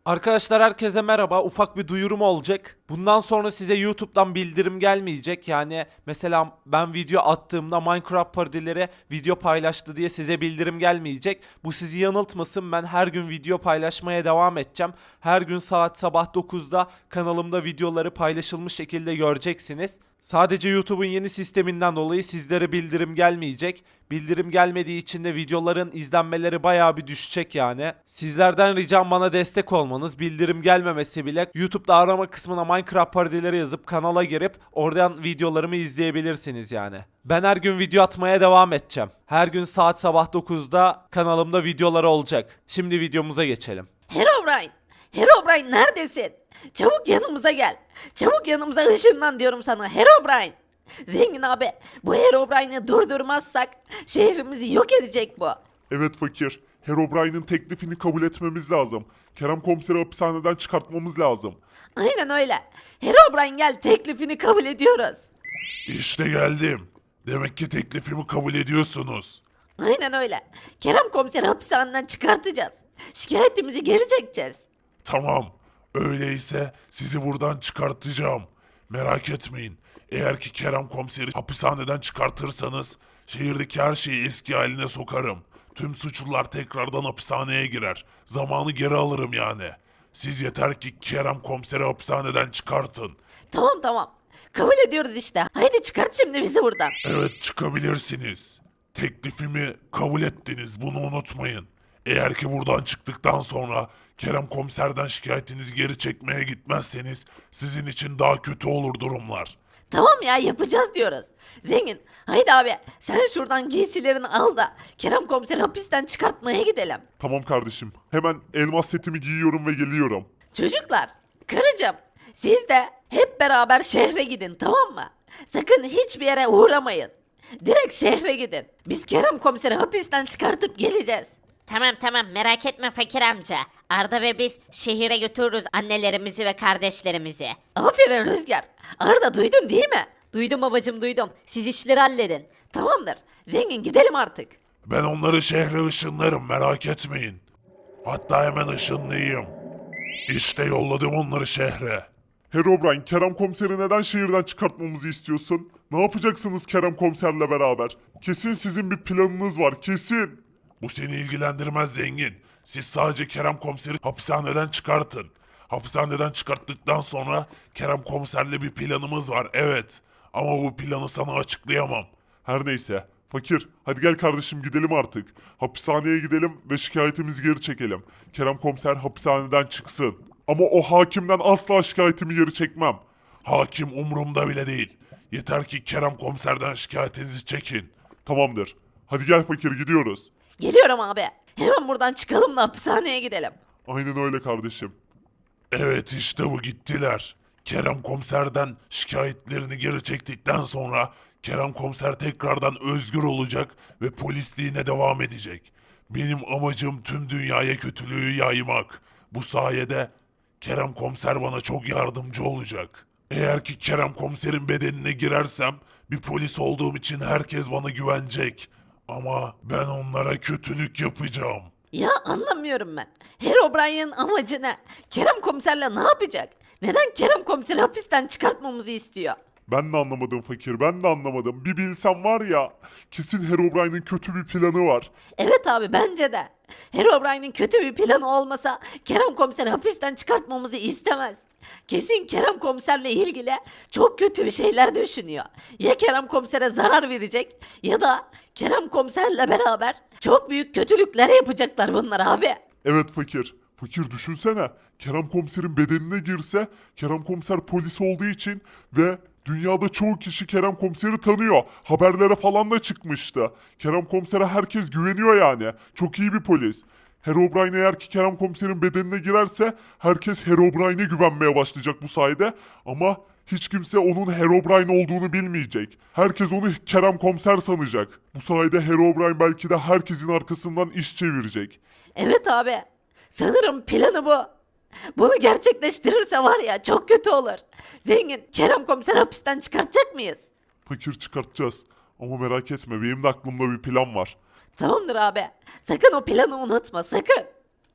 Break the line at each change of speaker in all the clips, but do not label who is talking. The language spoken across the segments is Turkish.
Arkadaşlar herkese merhaba. Ufak bir duyurum olacak. Bundan sonra size YouTube'dan bildirim gelmeyecek. Yani mesela ben video attığımda Minecraft parodileri video paylaştı diye size bildirim gelmeyecek. Bu sizi yanıltmasın. Ben her gün video paylaşmaya devam edeceğim. Her gün saat sabah 9'da kanalımda videoları paylaşılmış şekilde göreceksiniz. Sadece YouTube'un yeni sisteminden dolayı sizlere bildirim gelmeyecek. Bildirim gelmediği için de videoların izlenmeleri bayağı bir düşecek yani. Sizlerden ricam bana destek olmanız. Bildirim gelmemesi bile YouTube'da arama kısmına Minecraft parodileri yazıp kanala girip oradan videolarımı izleyebilirsiniz yani. Ben her gün video atmaya devam edeceğim. Her gün saat sabah 9'da kanalımda videoları olacak. Şimdi videomuza geçelim.
Herobrine! Herobrine neredesin? Çabuk yanımıza gel. Çabuk yanımıza ışınlan diyorum sana Herobrine. Zengin abi bu Herobrine'i durdurmazsak şehrimizi yok edecek bu.
Evet fakir. Herobrine'in teklifini kabul etmemiz lazım. Kerem komiseri hapishaneden çıkartmamız lazım.
Aynen öyle. Herobrine gel teklifini kabul ediyoruz.
İşte geldim. Demek ki teklifimi kabul ediyorsunuz.
Aynen öyle. Kerem komiseri hapishaneden çıkartacağız. Şikayetimizi geri çekeceğiz.
Tamam. Öyleyse sizi buradan çıkartacağım. Merak etmeyin. Eğer ki Kerem komiseri hapishaneden çıkartırsanız şehirdeki her şeyi eski haline sokarım. Tüm suçlular tekrardan hapishaneye girer. Zamanı geri alırım yani. Siz yeter ki Kerem komiseri hapishaneden çıkartın.
Tamam. Kabul ediyoruz işte. Haydi çıkart şimdi bizi buradan.
Evet çıkabilirsiniz. Teklifimi kabul ettiniz bunu unutmayın. Eğer ki buradan çıktıktan sonra Kerem komiserden şikayetinizi geri çekmeye gitmezseniz sizin için daha kötü olur durumlar.
Tamam ya yapacağız diyoruz. Zengin haydi abi sen şuradan giysilerini al da Kerem komiseri hapisten çıkartmaya gidelim.
Tamam kardeşim. Hemen elmas setimi giyiyorum ve geliyorum.
Çocuklar, karıcığım siz de hep beraber şehre gidin tamam mı? Sakın hiçbir yere uğramayın. Direkt şehre gidin. Biz Kerem komiseri hapisten çıkartıp geleceğiz.
Tamam merak etme fakir amca. Arda ve biz şehire götürürüz annelerimizi ve kardeşlerimizi.
Aferin Rüzgar. Arda duydun değil mi?
Duydum babacım duydum. Siz işleri halledin.
Tamamdır. Zengin gidelim artık.
Ben onları şehre ışınlarım merak etmeyin. Hatta hemen ışınlayayım. İşte yolladım onları şehre. Herobrine, Kerem komiseri neden şehirden çıkartmamızı istiyorsun? Ne yapacaksınız Kerem komiserle beraber? Kesin sizin bir planınız var, kesin. Bu seni ilgilendirmez zengin. Siz sadece Kerem komiseri hapishaneden çıkartın. Hapishaneden çıkarttıktan sonra Kerem komiserle bir planımız var, evet. Ama bu planı sana açıklayamam. Her neyse. Fakir, hadi gel kardeşim gidelim artık. Hapishaneye gidelim ve şikayetimizi geri çekelim. Kerem komiser hapishaneden çıksın. Ama o hakimden asla şikayetimi geri çekmem. Hakim umurumda bile değil. Yeter ki Kerem komiserden şikayetinizi çekin. Tamamdır. Hadi gel fakir gidiyoruz.
Geliyorum abi. Hemen buradan çıkalım da hapishaneye gidelim.
Aynen öyle kardeşim. Evet işte bu gittiler. Kerem komiserden şikayetlerini geri çektikten sonra Kerem komiser tekrardan özgür olacak ve polisliğine devam edecek. Benim amacım tüm dünyaya kötülüğü yaymak. Bu sayede Kerem komiser bana çok yardımcı olacak. Eğer ki Kerem komiserin bedenine girersem bir polis olduğum için herkes bana güvenecek. Ama ben onlara kötülük yapacağım.
Ya anlamıyorum ben. Herobrine'in amacı ne? Kerem komiserle ne yapacak? Neden Kerem komiseri hapisten çıkartmamızı istiyor?
Ben de anlamadım fakir, ben de anlamadım. Bir bilsem var ya, kesin Herobrine'in kötü bir planı var.
Evet abi bence de. Herobrine'in kötü bir planı olmasa Kerem komiseri hapisten çıkartmamızı istemez. Kesin Kerem komiserle ilgili çok kötü bir şeyler düşünüyor. Ya Kerem komisere zarar verecek ya da Kerem komiserle beraber çok büyük kötülükler yapacaklar bunlar abi.
Evet fakir. Fakir düşünsene. Kerem komiserin bedenine girse, Kerem komiser polis olduğu için ve dünyada çoğu kişi Kerem komiseri tanıyor. Haberlere falan da çıkmıştı. Kerem komisere herkes güveniyor yani. Çok iyi bir polis. Herobrine eğer ki Kerem komiserin bedenine girerse herkes Herobrine'e güvenmeye başlayacak bu sayede. Ama hiç kimse onun Herobrine olduğunu bilmeyecek. Herkes onu Kerem komiser sanacak. Bu sayede Herobrine belki de herkesin arkasından iş çevirecek.
Evet abi. Sanırım planı bu. Bunu gerçekleştirirse var ya çok kötü olur. Zengin Kerem komiser hapisten çıkartacak mıyız?
Fakir çıkartacağız. Ama merak etme benim de aklımda bir plan var.
Tamamdır abi. Sakın o planı unutma sakın.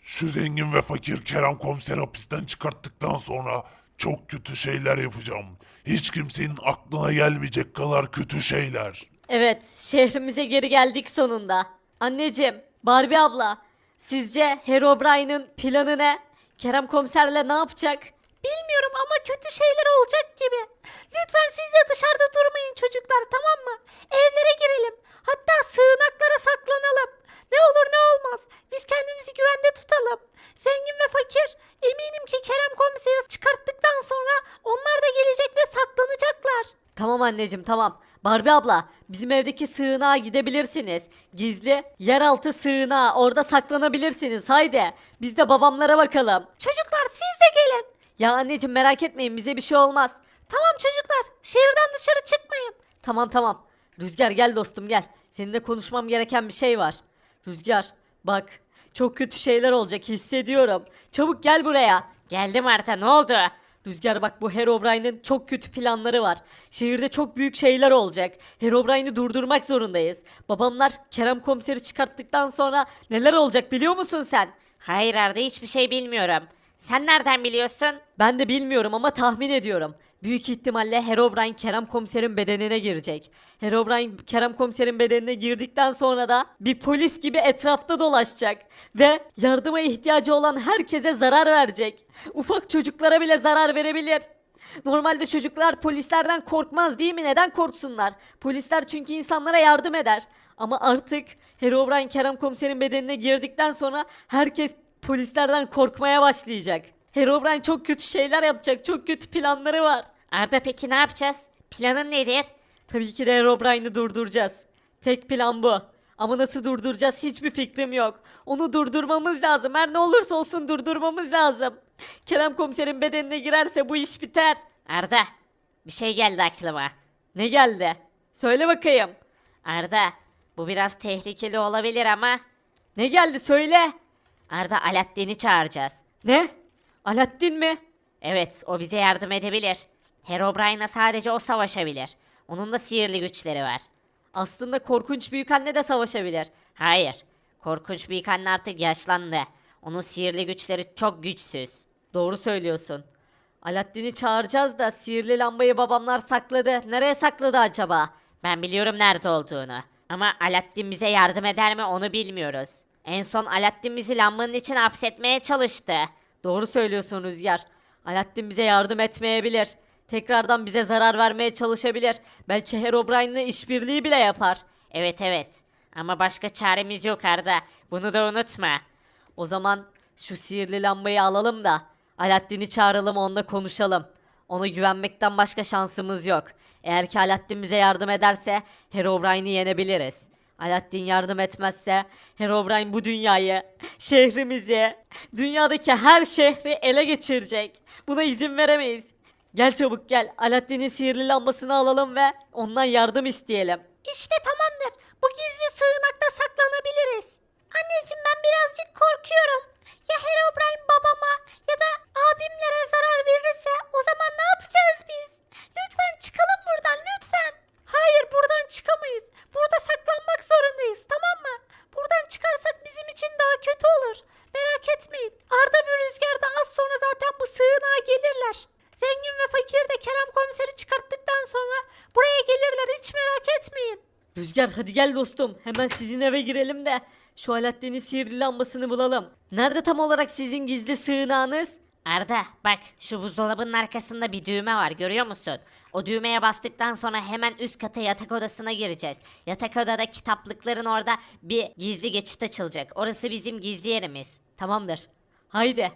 Şu zengin ve fakir Kerem komiseri hapisten çıkarttıktan sonra çok kötü şeyler yapacağım. Hiç kimsenin aklına gelmeyecek kadar kötü şeyler.
Evet, şehrimize geri geldik sonunda. Anneciğim, Barbie abla, sizce Herobrine'ın planı ne? Kerem komiserle ne yapacak? Bilmiyorum ama kötü şeyler olacak gibi. Lütfen siz de dışarıda durmayın çocuklar, tamam mı? Evlere girelim. Hatta sığınaklara saklanalım. Ne olur ne olmaz. Biz kendimizi güvende tutalım. Zengin ve fakir, eminim ki Kerem komiseri çıkarttıktan sonra onlar da gelecek ve saklanacaklar. Tamam anneciğim, tamam. Barbie abla, bizim evdeki sığınağa gidebilirsiniz. Gizli yeraltı sığınağı, orada saklanabilirsiniz. Haydi biz de babamlara bakalım. Çocuklar siz de gelin. Ya anneciğim merak etmeyin, bize bir şey olmaz. Tamam çocuklar, şehirden dışarı çıkmayın. Tamam tamam. Rüzgar gel dostum gel. Seninle konuşmam gereken bir şey var. Rüzgar bak, çok kötü şeyler olacak hissediyorum. Çabuk gel buraya.
Geldim Arda, ne oldu?
Rüzgar bak, bu Herobrine'in çok kötü planları var. Şehirde çok büyük şeyler olacak. Herobrine'i durdurmak zorundayız. Babamlar Kerem komiseri çıkarttıktan sonra neler olacak biliyor musun sen?
Hayır Arda, hiçbir şey bilmiyorum. Sen nereden biliyorsun?
Ben de bilmiyorum ama tahmin ediyorum. Büyük ihtimalle Herobrine Kerem komiserin bedenine girecek. Herobrine Kerem komiserin bedenine girdikten sonra da bir polis gibi etrafta dolaşacak. Ve yardıma ihtiyacı olan herkese zarar verecek. Ufak çocuklara bile zarar verebilir. Normalde çocuklar polislerden korkmaz değil mi? Neden korksunlar? Polisler çünkü insanlara yardım eder. Ama artık Herobrine Kerem komiserin bedenine girdikten sonra herkes polislerden korkmaya başlayacak. Herobrine çok kötü şeyler yapacak. Çok kötü planları var.
Arda peki ne yapacağız? Planın nedir?
Tabii ki de Herobrine'i durduracağız. Tek plan bu. Ama nasıl durduracağız hiçbir fikrim yok. Onu durdurmamız lazım. Her ne olursa olsun durdurmamız lazım. Kerem komiserin bedenine girerse bu iş biter.
Arda, bir şey geldi aklıma.
Ne geldi? Söyle bakayım.
Arda, bu biraz tehlikeli olabilir ama
Ne geldi söyle.
Arda, Alaaddin'i çağıracağız.
Ne? Alaaddin mi?
Evet, o bize yardım edebilir. Herobrine'la sadece o savaşabilir. Onun da sihirli güçleri var.
Aslında korkunç büyükanne de savaşabilir.
Hayır, korkunç büyük anne artık yaşlandı. Onun sihirli güçleri çok güçsüz.
Doğru söylüyorsun. Alaaddin'i çağıracağız da sihirli lambayı babamlar sakladı. Nereye sakladı acaba?
Ben biliyorum nerede olduğunu. Ama Alaaddin bize yardım eder mi onu bilmiyoruz. En son Alaaddin bizi lambanın için hapsetmeye çalıştı.
Doğru söylüyorsun Rüzgar. Alaaddin bize yardım etmeyebilir. Tekrardan bize zarar vermeye çalışabilir. Belki Herobrine'le işbirliği bile yapar.
Evet evet. Ama başka çaremiz yok Arda. Bunu da unutma.
O zaman şu sihirli lambayı alalım da Alaaddin'i çağıralım, onunla konuşalım. Ona güvenmekten başka şansımız yok. Eğer ki Alaaddin bize yardım ederse Herobrine'i yenebiliriz. Alaaddin yardım etmezse Herobrine bu dünyayı, şehrimizi, dünyadaki her şehri ele geçirecek. Buna izin veremeyiz. Gel çabuk gel. Alaaddin'in sihirli lambasını alalım ve ondan yardım isteyelim. İşte tamamdır. Bu gizli sığınakta saklanabiliriz. Anneciğim ben birazcık korkuyorum. Ya Herobrine babama ya da abimlere zarar verirse o zaman ne yapacağız biz? Lütfen çıkalım buradan lütfen. Hayır, buradan çıkamayız. Burada saklanmak zorundayız, tamam mı? Buradan çıkarsak bizim için daha kötü olur. Merak etmeyin. Arda ve Rüzgar da az sonra zaten bu sığınağa gelirler. Zengin ve fakir de Kerem komiseri çıkarttıktan sonra buraya gelirler, hiç merak etmeyin. Rüzgar hadi gel dostum. Hemen sizin eve girelim de şu Alaaddin'in sihirli lambasını bulalım. Nerede tam olarak sizin gizli sığınağınız?
Arda bak, şu buzdolabının arkasında bir düğme var, görüyor musun? O düğmeye bastıktan sonra hemen üst kata yatak odasına gireceğiz. Yatak odada kitaplıkların orada bir gizli geçit açılacak. Orası bizim gizli yerimiz.
Tamamdır. Haydi.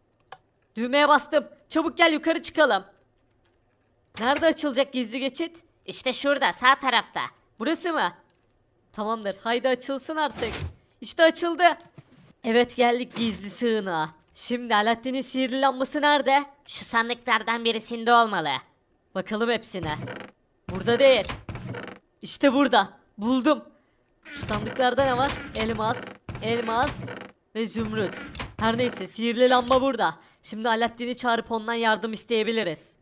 Düğmeye bastım. Çabuk gel yukarı çıkalım. Nerede açılacak gizli geçit?
İşte şurada, sağ tarafta.
Burası mı? Tamamdır. Haydi açılsın artık. İşte açıldı. Evet, geldik gizli sığınağa. Şimdi Alaaddin'in sihirli lambası nerede?
Şu sandıklardan birisinde olmalı.
Bakalım hepsine. Burada değil. İşte burada. Buldum. Şu sandıklarda ne var? Elmas, elmas ve zümrüt. Her neyse, sihirli lamba burada. Şimdi Alaaddin'i çağırıp ondan yardım isteyebiliriz.